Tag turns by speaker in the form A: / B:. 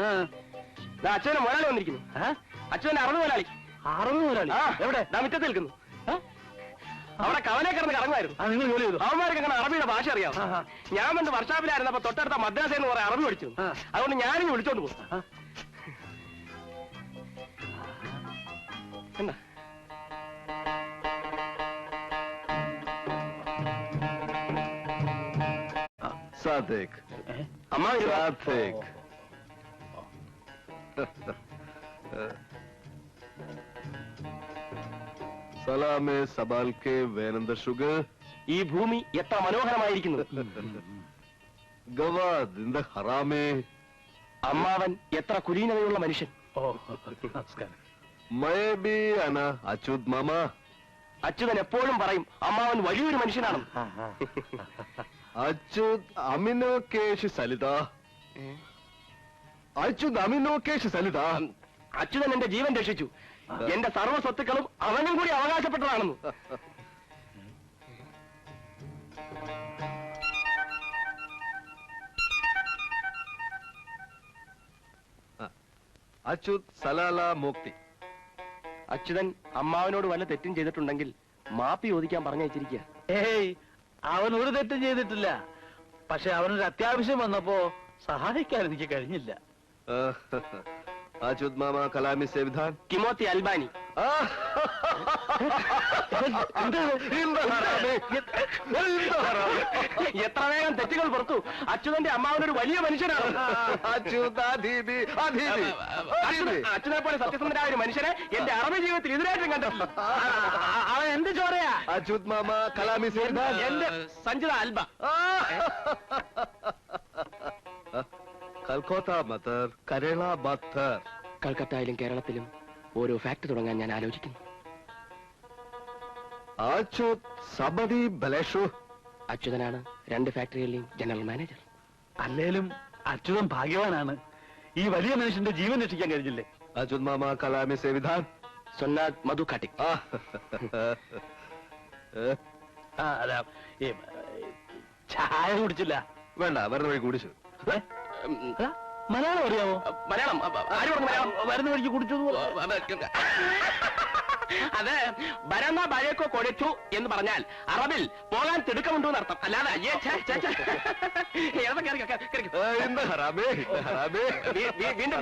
A: അച്ഛനെ മുതലാളി വന്നിരിക്കുന്നു. അച്ഛനെ അറുപത് മുതലാളി. എവിടെ? മുറ്റത്ത് നിൽക്കുന്നു. അവിടെ കവലെ കിടന്ന് കറങ്ങുമായിരുന്നു. നിങ്ങൾ ജോലി ചെയ്തു? അവന്മാർക്ക് അങ്ങനെ അറബിയുടെ ഭാഷ അറിയാം. ഞാൻ വന്ന് വർഷാപ്പിലായിരുന്നപ്പോ തൊട്ടടുത്ത മദ്രാസയിൽ നിന്ന് പറയാൻ അറബി പഠിച്ചു. അതുകൊണ്ട് ഞാനിങ്ങ് വിളിച്ചോണ്ട് പോകും. എന്താ
B: സാദിഖ്
A: അമ്മ
B: സാദിഖ് സലാമേ സബാൽക്കെ വേനന്ദ ഷുഗർ.
A: ഈ ഭൂമി എത്ര മനോഹരമായിരിക്കുന്നു.
B: ഗവാദ് ഹറാമേ.
A: അമ്മാവൻ എത്ര കുലീനതയുള്ള മനുഷ്യൻ.
B: മയബി അന അച്യുത് മാമ.
A: അച്യുതൻ എപ്പോഴും പറയും അമ്മാവൻ വലിയൊരു മനുഷ്യനാണ്.
B: അച്യുത് അമിനോ കേശ് സലിത. അച്യുത് അമിനോ കേശ് സലിത.
A: അച്യുതൻ എന്റെ ജീവൻ രക്ഷിച്ചു. എന്റെ സർവ്വ സ്വത്തുക്കളും അവനും കൂടി അവകാശപ്പെട്ടതാണെന്ന്.
B: അച്യുത് സലാല മുക്തി.
A: അച്യുതൻ അമ്മാവനോട് വല്ല തെറ്റും ചെയ്തിട്ടുണ്ടെങ്കിൽ മാപ്പി ചോദിക്കാൻ പറഞ്ഞയച്ചിരിക്കുക.
C: ഏയ്, അവൻ ഒരു തെറ്റും ചെയ്തിട്ടില്ല. പക്ഷെ അവനൊരു അത്യാവശ്യം വന്നപ്പോ സഹായിക്കാൻ എനിക്ക് കഴിഞ്ഞില്ല.
B: അച്യുത് മാമ കലാമി സേവിധാൻ.
A: കിമോത്തി അൽബാനി. എത്ര വേഗം തെറ്റുകൾ പുറത്തു. അച്യുതന്റെ അമ്മാവനൊരു വലിയ മനുഷ്യനാണ്. അച്യുതനെ പോലെ സത്യസന്ധനായ ഒരു മനുഷ്യനെ എന്റെ അറബി ജീവിതത്തിൽ ഇതിനായിട്ടും കണ്ടിട്ടില്ല.
C: അവൻ എന്ത് ചോറയാ?
B: അച്യുത് മാമ കലാമി സേവിധാൻ.
A: എന്റെ സഞ്ജിത അൽബ.
B: കൽക്കത്ത മത്തർ കരള ബത്തർ.
A: കൽക്കത്തയിലും കേരളത്തിലും ഓരോ ഫാക്ടറി തുടങ്ങാൻ ഞാൻ ആലോചിക്കുന്നു.
B: അച്യുത് സബദി ബലേഷു.
A: അച്യുതനാണ് 2 ഫാക്ടറികളിലെയും ജനറൽ മാനേജർ.
C: അല്ലേലും അച്യുതൻ ഭാഗ്യവാനാണ്. ഈ വലിയ മനുഷ്യന്റെ ജീവൻ രക്ഷിക്കാൻ കഴിഞ്ഞില്ലേ?
B: അച്യുത് മാമ കലാമി സേവിധാൻ.
A: സൊന്നാദ് മധു കാട്ടിക്.
C: ചായ കുടിച്ചില്ല.
B: വേണ്ട, വരുന്ന വഴി കുടിച്ചു.
C: മലയാളം അറിയാമോ?
A: മലയാളം മലയാളം
C: വരുന്ന വഴിക്ക് കുടിച്ചു.
A: അത് ബരന്ന ബഴക്കോ കൊടിച്ചു എന്ന് പറഞ്ഞാൽ അറബിൽ പോകാൻ തിടുക്കമുണ്ടോ എന്നർത്ഥം. അല്ലാതെ വീണ്ടും